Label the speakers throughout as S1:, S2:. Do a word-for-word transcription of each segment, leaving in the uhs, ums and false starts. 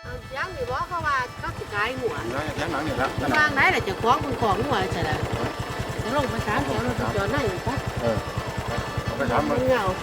S1: ยังนี่บ่เขาว่าเขาสิขายหัว
S2: แล้วแค่หนังนี่ละ
S1: วางไหนล่ะเจ้าของคุณของหัวใช่ล่ะจะลงไปถามเขาเราจะจอดไหนปะ
S2: เออไปถามมัน
S1: เงา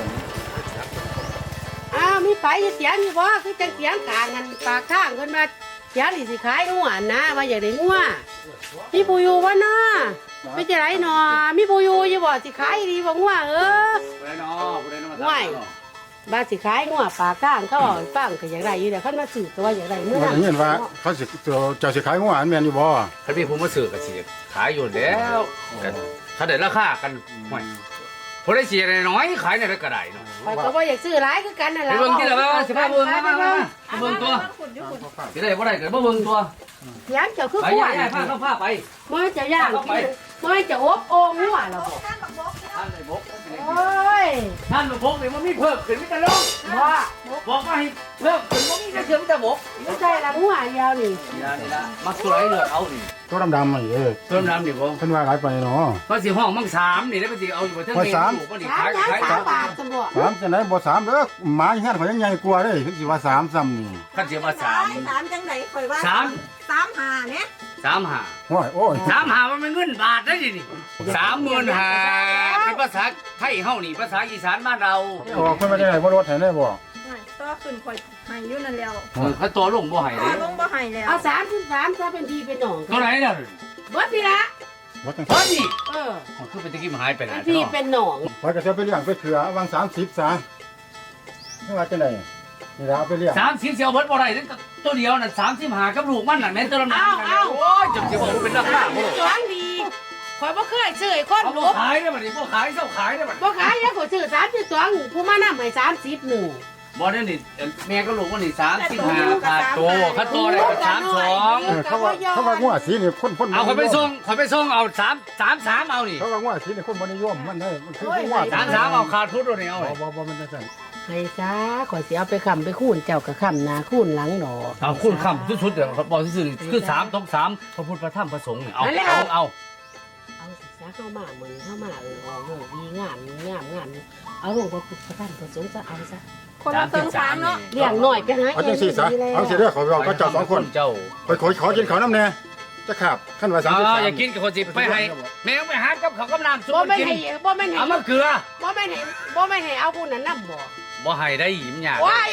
S1: อ้าวมีไฟเสียงอยู่บ่คือจังเสียงกลางกันปากข้างคนมาเสียงนี่สิขายหัวนะว่าอยากได้หัวมีปูอยู่บ่เนาะไม่จะไรหนอมีปูอยู่อยู่บ่สิขายดีบ่หัวเออ
S3: ผู้ใดเนาะผู้ใดเนาะ
S1: ห่วยบ้านสิขายหัวปลาก้างเขาเอาให้ฟังก็อยากได้อยู่แต่เขามาสื่อตัวอยากได้เมื่อ
S2: ว่า
S1: นั้น
S2: อย่างนี้ว่าเขาสิเจ้าสิขายหัวอันแม่นอยู่บ่
S3: คันมีผู้มาซื้อก็สิขายอยู่แล้วถ้าได้ราคากันห่วยผู้ใดสิได้น้อยขายได้ก็ได้เนาะ
S1: ไปก็ว่าอยากซื้อหลายคือกันนั่นแห
S3: ไป
S1: ละ
S3: เบิ่งที่ละว่าสิพาเบิ่งมามามาไปเบิ่งตัวสิได้บ่ได้ก็บ่เบิ่งตัว
S1: เสียงเจ้าคือ
S3: ไป
S1: ขว
S3: ย่าน พาเข้าพาไป
S1: เมื่อจะย่างกินเมื่อจะอบโอ่งหัวเราบอก
S3: ท่านได้บก
S1: โอ้ย
S3: ท่านบกนี่มันมีเพิ่มขึ้นมีแต่ลง
S1: ว่า
S3: บอกว่าให้เพิ่มขึ้นบ่มีแต่เพิ่มแต่บก
S1: ไม่ใช่ละหัวเดียวนี่
S3: นี่ล่ะนี่ล่ะมักตัวไหนเลือกเอานี่
S2: ตัวดำๆนี่เออ
S3: เพิ่มน้ำนี่บ่
S2: เพิ่นว่าหลายไปเนาะ
S3: เพราะสิห้องมังสามนี่แล้วมันสิเอาอยู่บ่เทิงเมนูบ่นี่
S1: สาม
S3: ขาย
S1: ล้าน
S3: ขาย
S1: สามบาทตำรวจ
S2: สามจังได๋บ่สามเด้อหมาอยู่เฮือนข่อยยังใหญ่กว่าเด้ถึงสิว่าสามซ้ำนี่
S3: คันสิว่าสาม
S4: สามจังไหนข่อยว่า
S3: สาม
S4: สามหาเนี่ย
S3: สามห้า
S2: โอ้ยโอ้ย
S3: สามหามันเป็นเงินบาทได้ดินี่สามหมื่นหาเป็นภาษาไทยเฮานี่ภาษาอีสานบ้านเรา
S2: ออกเพิ่นมาได้บ่รถให้ได้บ่
S4: ต่อขึ้นข่อยให้อยู่นั่นแล้ว
S3: เขาตัวลงบ่ให้
S4: ต่
S3: เล
S4: อย ลงบ่ให้แล้ว
S1: เอาสามสิบสามซะเป็นทีเป็นหนอง
S3: ตัวไหนน่ะ
S1: เบิดนี่ละ
S2: บ่จัง
S3: พอดี
S1: เออ
S3: มันคือเป็นตะกี้มันหายไปไหน
S1: เป็นทีเป็นหนอง
S2: ข่อยก็จะไปเลี้ยงไปเถื่อวางสามสิบซะนี่ว่าจังได๋นี่ล่ะเอาไปเลี้ยง
S3: สามสิบเสียวเบิดบ่ได้นั่นตัวเดียวน่ะสามสิบหากับลูกมันน่ะแม่นตัวละนั้นโอ้ยจังสิบอกเป็นราคาบ่
S1: จวงดีข่อยบ่เคยซื้อไอ้คน
S3: เอา
S1: หล
S3: บ่
S1: บ
S3: ขายได้บัดนี้บ่ขายเซาขายได้บัด
S1: บ่ขายแล้วข่อยซื้อสามสิบสองผู้มานำให้สามสิบหนึ่ง
S3: บ่ได้นี่แม่กับลูกมันนี่สามสิบห้าขาดโตคัดโตได้ก็สามสอง
S2: เออเขาว่าเขาว่างัวสีนี่คนคน
S3: เอาเขาไปส่งเขาไปส่งเอาสามสามสามเอานี่
S2: เขาว่างัวสีนี่คนบ่นิยมมันได้มันคืองัว
S3: สามสามเอาขาดทุนตัวนี้เอา
S2: บ่บ่บ่มันจังซั่น
S1: ให้ซะข่อยสิเอาไปค้ำไปคูนเจ้าก็ค้ำหน้าคูนหลังดอก
S3: เอาคุณคำสุดๆเดี๋ยวบอกซื่อๆคือสามตกสามพระพุทธพระธรรมพระสงฆ์เนี่ยเอาเอาเอา
S1: เอาสิซะเข้ามาเหมือนเข้ามาเออออกโหดีงามงามงามเอาลงพระพุทธพระธรรมพระสงฆ์ซะเอาซะ
S4: คนละเติงสามเนาะ
S1: เลี้ยงหน่อยไปหา
S2: เอาจังซี่ซะเอาสิเด้อขอบอกก็เจ้าสองคน
S3: เจ้า
S2: ขอขอขอกินข้าวนำแน่จะขาบขั้นว่าสาม
S3: อ๋
S2: สิบ
S3: อ
S2: สาม
S3: อย่ากินกับคนสิไปให้แม่ไปหากับเขาวกับน้ำซุป
S1: บ่ไม่
S3: กิน
S1: ให้บ่ไม่ให้
S3: เอามะเขือ
S1: บ่ไม่ให้บ่ไม่ให้เอาผู้นั้นนำบ่
S3: บ่ให้ได้หยิมหยา
S1: ว้าย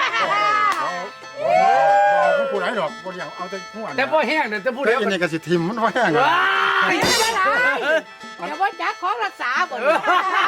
S2: เอาผู้ไหนดอกบ่เลี้ยงเอาแต่หัว
S3: แต่บ่แห้งเดี๋ยวจะพูด
S2: แต่
S3: แล้ว
S2: อันนี้ก็สิทิมมันบ่แห้งอ่ะ
S3: ว้าย
S1: ไม่ได้เดี๋ยวว่าจักของรักษาบ่นี่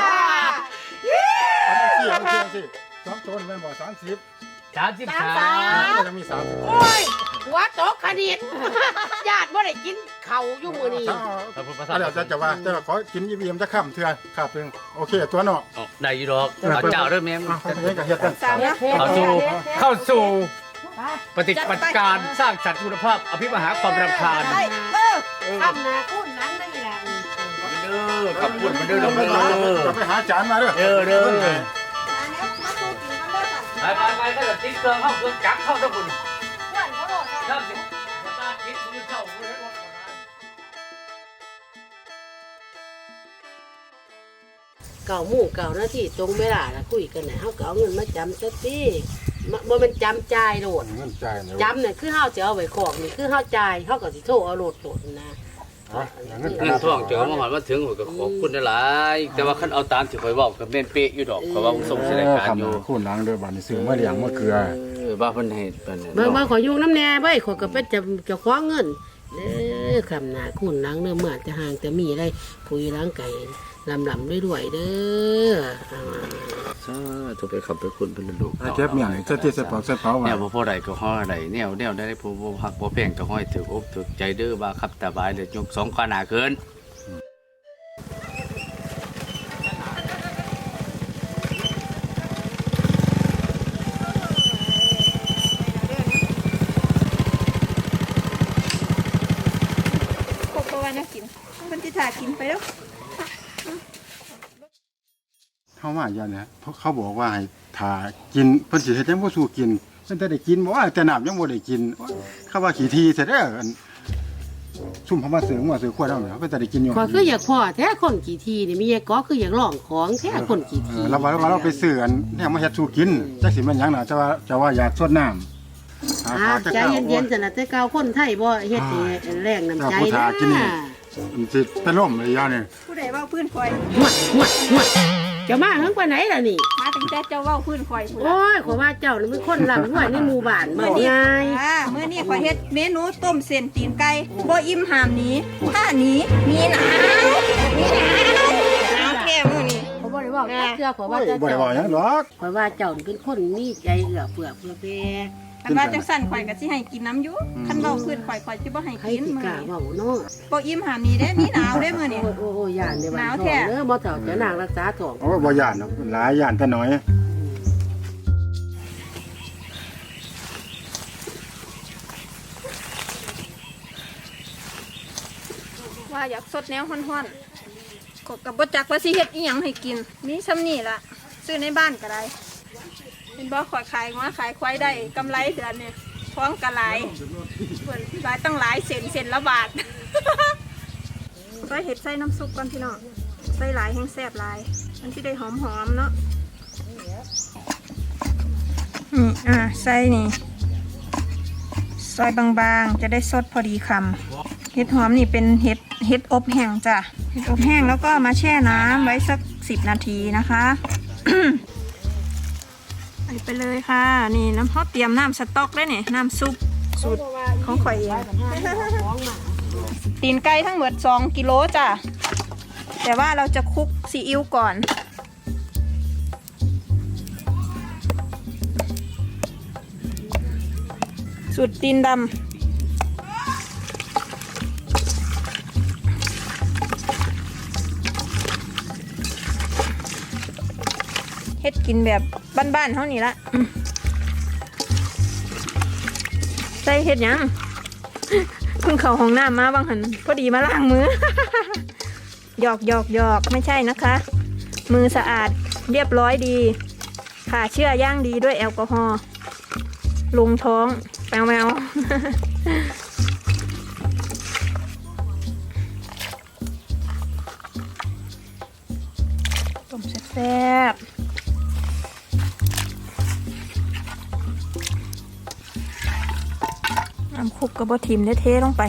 S2: อันนี้สิอันนี้สิสองต้นแม่นบ่สามสิบ
S3: สามสิบสาม
S2: มันจะมีสามสิบ
S1: โอ้ยหัวตกคณิตญาติบ่ได้กินข้าวอยู่มื้อนี้
S3: พระพุทธพระธร
S2: อั
S3: ร
S2: น
S3: ม
S2: เดี๋ยวจะว่าจะขอกินยี่บีมจะข้ามเถื่อขาบเพียงโอเคตัวเนาะ
S3: เอาได้อยู่ดอกเอาเจ้าเด้อแม่
S2: เอาเขาเฮ็ดกับเฮ็ดกัน
S4: สามนะ
S3: เข้าสู่เข้าสู่
S1: ไป
S3: ปฏิบัติการสร้างสรรค์คุณภาพอภิมหาความรำคาญ
S4: เออ
S1: ทำนาคุณหลังได้ล่ะ
S3: เด้อขับปุ่นมันเด้อ
S2: เรา
S3: เด้
S2: ไป
S3: อ
S2: หา
S3: เด้อ
S2: เราไปหาจานมาเด้อ
S3: เด้อเด้อ
S4: มาแล้วมาสู้กินกันเด้อค่ะ
S3: ไปไปไปถ้าเกิดติ๊กเกอร์เข้าเครื่องจักรเข้าทั้งคุณ
S4: เพื่อนเขาโดด
S3: ถ้าสิมาตาคิดมือเข้ามือให้หมด
S1: เก่าหมู่เก่าหน้าที่ตรงเวลาละคุยกันน่ะเฮาก็เอาเงินมาจำซะติบ่บ่แม่นจำจ่ายโลด
S2: เงินจ่ายเนี่ย
S1: จำน่ะคือเฮาจะเอาไว้ของนี่คือเฮาจ่ายเฮาก็สิโทรเอาโลดโลดนะ
S2: เงิน
S3: เงินทองเจอมาหอดมาถึงผมก็ขอบคุณหลายๆแต่ว่าคันเอาตามที่ข่อยบอกก็แม่นเป๊ะอยู่ดอกเพราะว่าผมส่งสิรายการอยู่
S2: คู่หลังเด้อบัดนี้ซื้อมาเลี้ยงมาเกลือ
S3: เออว่าเพิ่นเฮ็ดเพิ่น
S1: เบิ่งมาขอยุ่งน้ำแน่เว้ยขอยก็เป็นจะจะคว้าเงินเด้อคำหน้าคุณหลังเด้อเมื่อจะห่างจะมีอะไรผู้อยู่หลังไก่ลำลำด้วยด้วยๆเด้ออ่า
S3: สาธุไปขับไปคุณเพิ่นลูก
S2: เก็บเมียงใส่ที่ใส่ปอกใส่เป๋า
S3: แน
S2: ไว้
S3: วบ่พอใดก็ฮ้อใดแนวแนวได้ผู้บ่ฮักบ่แพงก็ห้อยถึกอกถึกใจเด้อว่าครับตาบายเด้อยกสองขาหน้าเกิน
S4: พวกเขาว่าน่ากินมันจะถ่ากินไปแล้ว
S2: เขาว่าอย่างนี้เขาบอกว่าให้ถ่ากินเพิ่นสิเฮ็ดจังบ่สู้กินเพิ่นแต่ได้กินบ่ว่าแต่น้ำยังบ่ได้กินเขาว่าขี้ทีซะเด้อซุ่มเขามาเสือมาเสือขวดเอาเนี่ยเพิ่นแต่ได้กินอยู่
S1: ขอยคืออยากพ่อแท้คนกี่ทีนี่มีไอ้ก็คืออยากลองของแท้คนกี่
S2: เอ
S1: ที
S2: อเราว่าเราไปซื้ออันเนี่ยมาเฮ็ดสู้กินจักสิมันหยังน่ะจะว่าจะว่าอยากสดน้ำหาา
S1: อ่า
S2: ทาจะ
S1: ใจ
S2: เก่า
S1: เย็นๆจังนะแต่เก่าคนไทยบ่เฮ็ดให้แรงน้ำใจ
S2: ผู้ทากินนี่
S1: นะ
S2: มันสิเป็นล่มเลยยานี่
S4: ผู้ใดเว้าพื้นคอย
S1: หวดหวดหวดเจะมาเฮิงปานไหนล่ะนี่
S4: มาตั้งแต่เจ้าเว้าพื้นคอยพุ่นล่ะ
S1: โอ้ยขอยว่าเจ้านี่เป็นคนร่ำรวยในหมู่บ้านบ่ง่าย
S4: อ่ามื้อนี้ขอยเฮ็ดเมนูต้มเส้นตีนไก่บ่อิ่มหามหนี้ถ้าหนี้มีหนาวมีหนาวหนาวแท้มื้อนี้
S1: เขาบ่ได้เว้าจักเทื่อขอยว่า
S2: โอ้ย
S1: เจ้า
S2: บ่ได้ว่าหยังหรอก
S1: ขอยว่าเจ้านี่เป็นคนมีใจเอื้อเฟื้อเผื่อแผ่
S4: คันว่าจังสั่นข่อยก็สิให้กินน้ำอยู่คันเว้าพื้นข่อยข่อยสิบ่ให้
S1: ใคร
S4: กิน
S1: สิ
S4: มื้อก
S1: ล้า
S4: นี้
S1: เว้าเนาะ
S4: บ่อิ่มหามหนี้เด้มีหนาวเด้มื้อนี้
S1: โอ้ยโอ้ยโอ้ยย่านในบ้า
S4: หนาน ว
S1: ท้
S4: แท้
S1: องเด้อบ่เฒ่าเจะนางรักษาท้อง
S2: โอ้ยบ่ย่านหรอกหลายย่านแต่น้อย
S4: ว่าอยากสดแนวฮ้อนๆก็กับบ่จักว่าสิเฮ็ดอีหยังให้กินมีซ้ำนี่ล่ะซื้อในบ้านก็ได้เป็นบ่ข่อยขายงัวขายควายได้กำไรเดือนเนี่ยท้องก็หลายเพิ่นหลายตั้งหลายเซนเซนละบาท ก็เฮ็ดใส่น้ำซุปก่อนพี่น้องใส่หลายแห้งแซ่บหลายมันสิได้หอมๆเนาะนี่อ่ะใส่นี่ซอยบางๆจะได้สดพอดีคำ เห็ดหอมนี่เป็นเห็ดเห็ดอบแห้งจ้ะเห็ดอบแห้งแล้วก็มาแช่น้ำไว้สักสิบนาทีนะคะ ใส่ไปเลยค่ะ นี่น้ำเขาเตรียมน้ำสต๊อกได้เนี่ยน้ำซุปสูตรของข่อยเอง ตีนไก่ทั้งหมดสองกิโลจ้ะแต่ว่าเราจะคลุกซีอิ๊วก่อน สูตรตีนดำเฮ็ดกินแบบบ้านๆเท่านี้ละอืมใส่เฮ็ดหยัง เพิ่งเข้าห้องน้ำมาบางหันพอดีมาล้างมือ หยอกหยอกหยอกไม่ใช่นะคะ มือสะอาดเรียบร้อยดีผ่าเชื่อย่างดีด้วยแอลกอฮอล์ลงท้องแมวแมว ต้มแซ่บๆน้ำคุกกระบอกทิมได้เทลงไป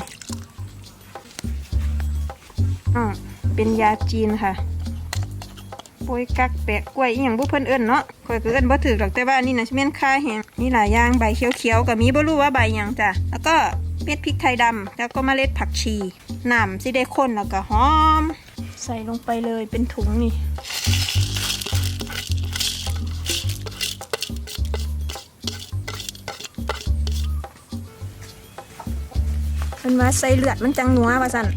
S4: อ่าเป็นยาจีนค่ะโป้ยกักแปะกล้วยอหย่างบุเพิ่นเอิ้นเนาะข่อยก็เอิ้นบ่ถือหรอกแต่ว่านี่นะเม่นค่าแห้งมีหลายอย่างใบเขียวๆกับมีบ่รู้ว่าใบหยังจ้ะแล้วก็เม็ดพริกไทยดำแล้วก็เมล็ดผักชีน้ำสิได้ข้นแล้วก็หอมใส่ลงไปเลยเป็นถุงนี่ มันว่าใส่เลือดมันจังนัวว่าสั่น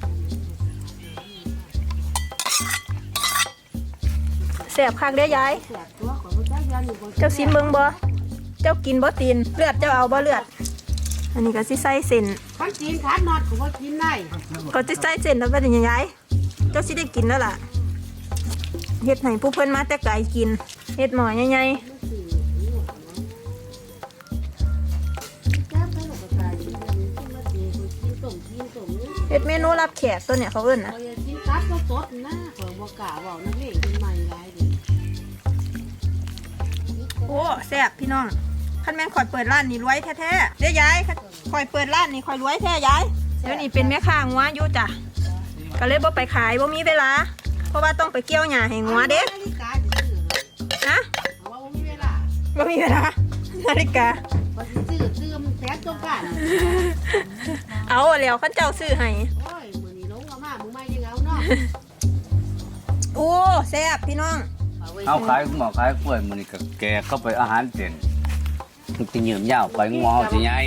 S4: แสบคักเด้อยาย เจ้าซิมเบิงบ่เจ้ากินบ่ตีนเลือดเจ้าเอาบ่เลือด อันนี้ก็สิใส่เส้น
S1: คันกินขาดนอดก็บ่กินได้
S4: ก็สิใส่เส้นแล้วเป็นยังไงเจ้าสิได้กินแล้วล่ะเฮ็ดให้ผู้เพิ่นมาแต่ไกลกินเฮ็ดหม้อใหญ่ๆเฮ็ดเมนูรับแขกตัวเนี่ยเขาเอิ้นนะ
S1: ข่อยกินตับก็สดนะข่อยบ่กล้าเว้านักเลงเป็นใหม่หลายเด้
S4: โอ้แซ่บพี่น้องคันแม่นข่อยเปิดร้านนี่รวยแท้ๆเด้อยายคันข่อยเปิดร้านนี่ข่อยรวยแท้ยายเดี๋ยวนี้เป็นแม่ค้างัวอยู่จ้ะก็เลยบ่ไปขายบ่มีเวลาเพราะว่าต้องไปเกี่ยวหญ้าให้งัวเด้
S1: นาฬิกาสิซื้อ
S4: นะ
S1: เอาว่าบ่มีเวลา
S4: บ่มีเวลานาฬิกา
S1: บ่สิซื้อซื้อมันแสนต้องการ
S4: เอาแล้วคันเจ้าซื้อให้
S1: โอ้ยมื้อนี้ลงเอามามื้อใหม่ยังเอาเนาะ
S4: โอ้แซ่บพี่น้อง
S3: เอาขายหมอขายกล้วยมันนี่ก็แกเข้าไปอาหารเด่นมันจะเหยื่อมยาวไปงอสิไง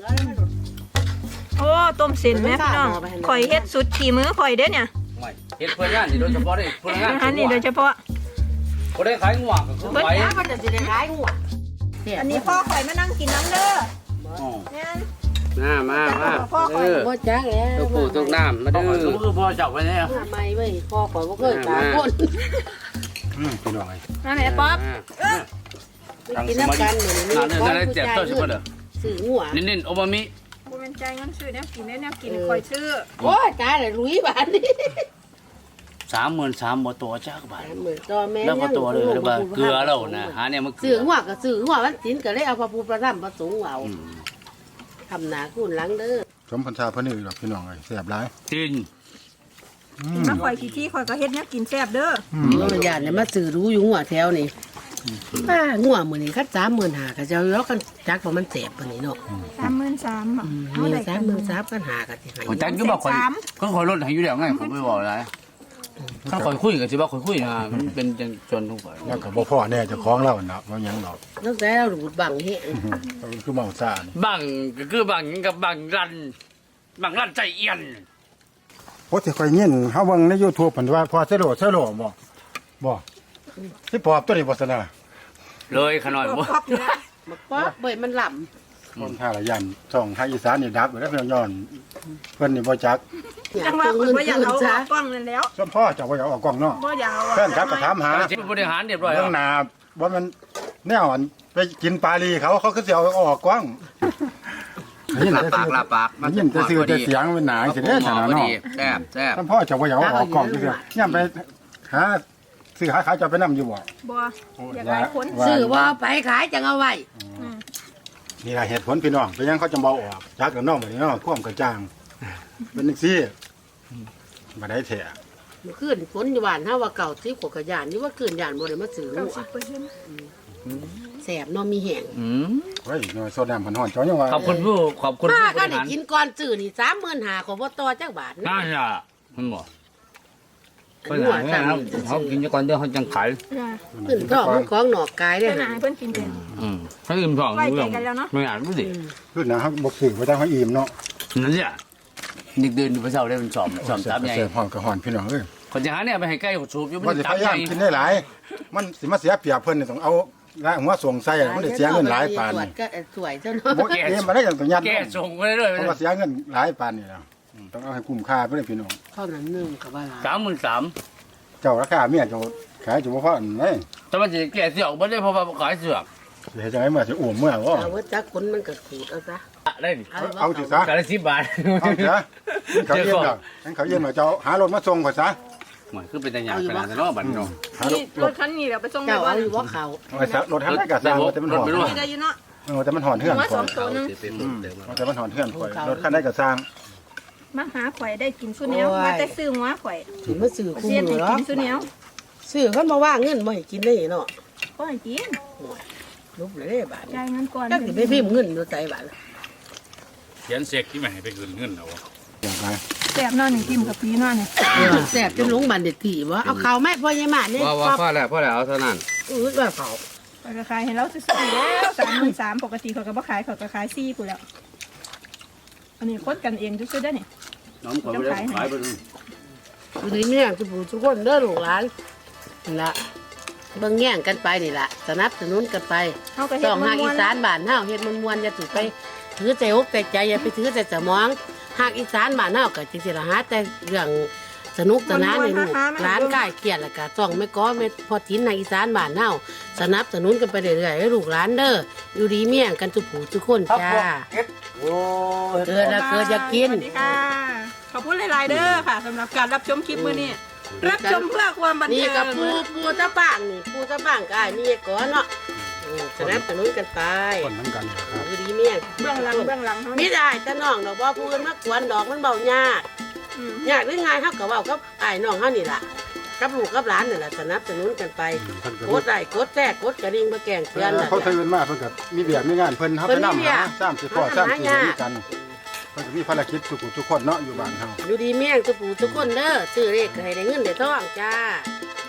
S4: โอ้ต้มเส้นแม่พี่น้องข่อยเฮ็ดสุดขี่มือข่อยเด้อเนี่ย
S3: ไม่เฮ็ดเพื่อนงานนี่โดยเฉพาะเลยเพื่อนงาน
S4: อาหารนี่โดยเฉพาะ
S3: บ่ได้ขายงัวก็คือ
S1: เบิด
S3: ไป
S1: หามันจะสิได้ขายหัว
S4: อันนี้พ่อข่อยมานั่งกินน้ำเด้อ
S3: อ๋อ
S4: แม่น
S3: มามามาเออ
S1: บ่จักแล้ว
S3: ตัวปู่ตัวน้ำมาเด้อคือพ่อจับไว้เนี่ย
S1: มาใหม่เว้ยคอข่อยบ่เคยตาคน
S2: อืมพี่น้องไอ้
S4: มาแม่ป๊อป
S1: ไปกินน้ำกันมื้อนี้
S3: งานเนี่ยได้เจ็บตัวใช่ป่ะเด้อ
S1: ซื้อหัว
S3: นินๆโอบามิ
S4: บ่แม่นใจเงินซื้อแนวกินแนวกินข่อยซื้อ
S1: โอ้ยตายแล้วลุยบาดนี้
S3: สามหมื่นสามบ่ตัวจักบาท
S1: เหมือนตัวแม่
S3: แล้วบ่ตัวเลยหรือว่าเกลือแล้วนะหาเนี่ยมันเกลื
S1: ซื้อหัวก็ซื้อหัวมันสินก็เลยเอาพระพุทธพระธรรมพระสงฆ์เอา
S3: อืม
S1: ทำหนาคุณหลังเด้อ
S2: สมพันชาพะนี่ดอกพี่น้องเอ้ยแซ่บหลาย
S3: จีน
S2: อืม
S4: มาข่อยขี้ที่ข่อยก็เฮ็ดแนวกินแซ่บเด้อ
S1: เมื่อญาติเนี่ยมาซื้อรู้อยู่หัวแถวนี่ป้าหัวมื้อนี้คัดสามหมื่นหาก็จะเอากันจักว่ามันเจ็บปานนี้เนาะ
S4: สามหมื่นสาม
S1: อืมมีสามหมื่นสามกันหากันสิให้
S3: ผมจักก็บอกคนก็คอยลดให้อยู่แล้วไงผมไม่บอกอะไรถ้าคอยคุยกับสิว่าคอยคุยนะมันเป็นจังจนทุกฝ่าย
S2: แล้วก็บ่พ่อแน่เจ้าของเราเนาะบ่หยังดอก
S1: ตั้งแต่เราดูดบังเฮ็ด
S2: เขาคือเมาซ่านี่
S3: บางก็คือบางกับบางรันบางรันใจเอียน
S2: โอ้สิค่อยยินเฮาเบิ่งใน YouTube เพิ่นว่าพอเซโลเซโลบ่บ่สิปอบตัวนี้บ่ซะนะ
S3: เลยขน่อยบ่
S4: ครอบอยู่แล้ว
S1: มาป๊อบเบ่ยมันหล่ำ
S2: คนท่าละยันช่องภาคอีสานนี่ดับอยู่แล้วเพิ่นย้อนเพิ่นนี่บ่จัก
S4: จังว่าเพิ่นบ่อยากเอาออกกล้องนั่นแล้ว
S2: ส่วนพ่อเจ้าบ่อยากเอาออกกล้องเนาะ
S4: บ่อยากเอา
S2: แฟนครับก็ถามหา
S3: บริหารเรียบร้อย
S2: เรื่องหน้าบ่มันแนวอันไปกินปลาลีเขาเขาก็สิเอาออกกล้องได้ยิน
S3: ลา
S2: แต่
S3: ปากลาปาก
S2: ได้ยินแต่ชื่อแต่เสียงมันหนาสิเด้ซั่นน่ะเนาะ
S3: แซ่บแซ่บ
S2: ท่านพ่อเจ้าบ่อยากเอาออกกล้องซื่อๆย่ำไปหาซื้อหาขายเจ้าไปนํอยู่บ่
S4: บ่อยากหลายคน
S1: ซื้อว่าไปขายจังเอาไว้
S2: นี่ล่ะเหตุผลพี่น้องเป็นหยังเขาจะบ่ออกจักกับน้องบัดนี้เนาะความกระจ่างเป็นจังซี่บ่ได้แท้
S1: เมื่อคืนฝนอยู่บ้านเฮาว่าเก่าสิบกว่ากระยานนี่ว่าคืนยานบ่ได้มาซื้อหัว
S4: เก้าสิบเปอร์เซ็นต์
S1: แสบเนาะมีแห้ง
S3: อืม
S2: เฮ้ยน้อยโซดามันฮ้อนเจ้ายังว่า
S3: ขอบคุณผู้ขอบคุณ
S1: ป้า
S3: ผู้บ
S1: ก็
S3: ริ
S1: ได้
S3: หาร
S1: กินก่อนซื้อนี่สามหมื่นหาขอบ่ต่อจักบาท
S3: น่า
S1: นะ
S3: จะมันบอก
S1: อั
S3: เพิ่
S1: น
S3: น
S1: หัว
S3: หา
S1: สั่ง
S3: เขากินจะก่อนเดี๋ยวเขาจังขาย
S1: ขึ้นท้องมันของหนอกกายได้
S4: เพิ่น
S1: หั่
S4: หาน ให้เพิ่นกินเป็น
S3: อืมเขาอิ่มท้อง
S4: ไว้
S3: รู้
S4: ใจ
S3: เรื่อง
S4: กันแล้วเนาะ
S3: ไม่อ่านรู้สิ
S2: ขึ้นนะเขาบ่ซื้อไว้ทางเขาอิ่มเนาะ
S3: นั่นสินึกเดินดูพระเจ้าได้เป็นสอบสอบตามใหญ่
S2: เสียฮ้อนก็ฮ้อนพี่น้องเอ้ย
S3: คนจะหาเนี่ยไปให้ใกล้สูบอยู่
S2: ว่า
S3: มัน
S2: สิ
S3: ตา
S2: พ
S3: ม
S2: ยา
S3: ให
S2: ยา
S3: ญ่
S2: มกินได้หลายมันสิมาเสียเปรียบเพิ่นนี่ต้องเอาละหัวส่งใส่อะมันได้เสียเงินหลายปาน
S1: ตรวจ
S2: นี่
S1: ก็สวยเจ้าเนาะ
S2: บ่เอ็มมาได้อย่างตัวยัด
S3: แก้ส่งไปเรื่อย
S2: เพราะว่าเสียเงินหลายปานนี่แล้วอืมต้องเอาให้คุ้มค่าเพิ่นพี่น้อง
S1: เท่านั้นหนึงก็ว่าหลาย
S3: สามหมื่นสาม
S2: เจ้าราคาเมียเจ้าขายจุบ่พออันไหน
S3: แต่มันจะแก้เสือกไม่ได้เพราะว่าขายเสือก
S2: สิเฮ็ดจังได๋เมื่อสิอ้วมเมื่อบ่
S1: เอาว่าจักคนมันก็ขูดเอาซะ
S3: ได้ดิ
S1: เอา
S2: เอาสิซะ
S3: กาละสิบบาท
S2: เอาซะเขาเย็นดอกงั้นเขาเย็นว่าเจ้าหารถมาส่งก่อนซะ
S3: เหมือนคือเป็นแต่หยาบขนาดนั้นเนาะบัดเนาะ
S2: หารถ
S4: นี่รถคันนี้เดี๋ยวไปส่งไป
S1: เจ้า
S4: บ่
S1: เอาอยู่ว่าเขา
S2: เอาไว้ซะรถทางไหนก็สร้างว่าแต่มันหอน
S3: รถไม่รู้
S4: นี่ได้อยู่เนาะ
S2: เออแต่มันหอนเฮือน
S4: หัว
S2: ก่
S4: ส
S2: อ
S4: อน งตัวหนึง
S2: ว่าแต่มันหอนเฮือนก่อนรถคันใดก็สร้าง
S4: มาหาข่อยได้กินซุแนวมาแต่ซื้อหัวข่อย
S1: สิมาซื้อคู่
S4: เสียน
S1: มื
S4: ให้
S1: อหรอ
S4: กินซุแนว
S1: ซื้อเขามาว่าเงินบ่ให้กินได้เนาะ
S4: ก็ให้กิน
S1: ลุบเลยบาท
S4: จ่ายเงินก่อน
S1: จักสิไปพิมพ์เงินอยู่ใจบาท
S3: เขียนเสกที่ไม่ให้ไปคืนเงินเอา
S2: อย่างไร
S4: แซ่บเนาะนี่กินกับปีเนาะนี่
S1: แสบจนลงบันเด็ดที่ว่าเอาข้าวแม่พ่อใหญ่มาเนี่ย
S3: ว่าว่าพ่อแล้วพ่อแล้วเอาเท่านั้น
S1: อือว่าเขา
S4: ข่อยก็ขายให้เราซื้อๆแล้วสามหมื่นสามปกติข่อยก็บ่ขายข่อยก็ขายสี่พู่นแล้วอันนี้คนกันเองซื่อๆเด้อนี่
S3: น้องคนไม่ได้ขายไปเลย
S1: อยู่ดีเนี่ยคือผู้ทุกคนเด้อลูกหลานนี่ละเบิ่งแย่งกันไปนี่ละสนับสนุนกันไป
S4: เฮาก็เฮ็
S1: ส
S4: ด
S1: อง
S4: มั
S1: หาน ก
S4: ม่
S1: อี
S4: วน
S1: สานบ้านเฮาเฮ็ดมวนๆอย่าถือไปถือใจอกใจใจอย่าไปถือใจสมองหากอีสานบ้านเฮาก็จริงๆละหาแต่เรื่องสนุกสนานในลูกร้านใกล้เกลียดแล้วก็ต้องไม่ก้อไม่พอทิ้นในอีสานบ้านเฮาสนับสนุนกันไปเรื่อยๆให้ลูกหลานเด้ออยู่ดีเมี่ยงกันทุกผู้ทุกคนจ้า
S3: โอ้ย
S1: เกิดแล้วเกิดอยากกิน
S4: สวัสดีค่ะ ขอบคุณหลาย ๆ เด้อค่ะสำหรับการรับชมคลิปมื้อนี้ รับชมเพื่อความบัน
S1: นี่
S4: เทิง
S1: กับปูปูตะบ้างนี่ปูตะบ้างก็อ้ายนี่ก่อนเนาะอืมสนับสนุนกันไป
S2: คนน้ำกันนี่แหละครับ
S1: อยู่ดีเมี่ยง
S4: เบื้องหลังเบื้องหลังเฮา
S1: มิ
S4: นี่
S1: ได้แต่น้องดอกว่าผู้อื่นมากวนดอกมันเบายาก
S4: อืม
S1: ยากหรือไงเฮาก็เว้ากับอ้ายน้องเฮานี่ล่ะกับลูกกับหลานนี่แหละสนับสนุนกันไป
S2: เพิ่นก็
S1: กดไลค์กดแชร์กดกระดิ่งมาแกล้งเตือนนั่น
S2: เขา
S1: แห
S2: ตื่
S1: ละ
S2: นมาเพิ่นก็มีเบียดมีงานเพิ่นเฮา
S1: เพิ่
S2: ไป
S1: นมี
S2: นำ
S1: เวีย
S2: หาก สามสิบพ่อสามสิบ
S1: หา
S2: มีกันเพิ่นก็มีภารกิจทุกผู้ทุกคนเนาะอยู่บ้านเฮา
S1: อยู่ดีเมี่ยงทุกผู้ทุกคนเด้อซื้อเลขก็ให้ได้เงินได้ทองจ้า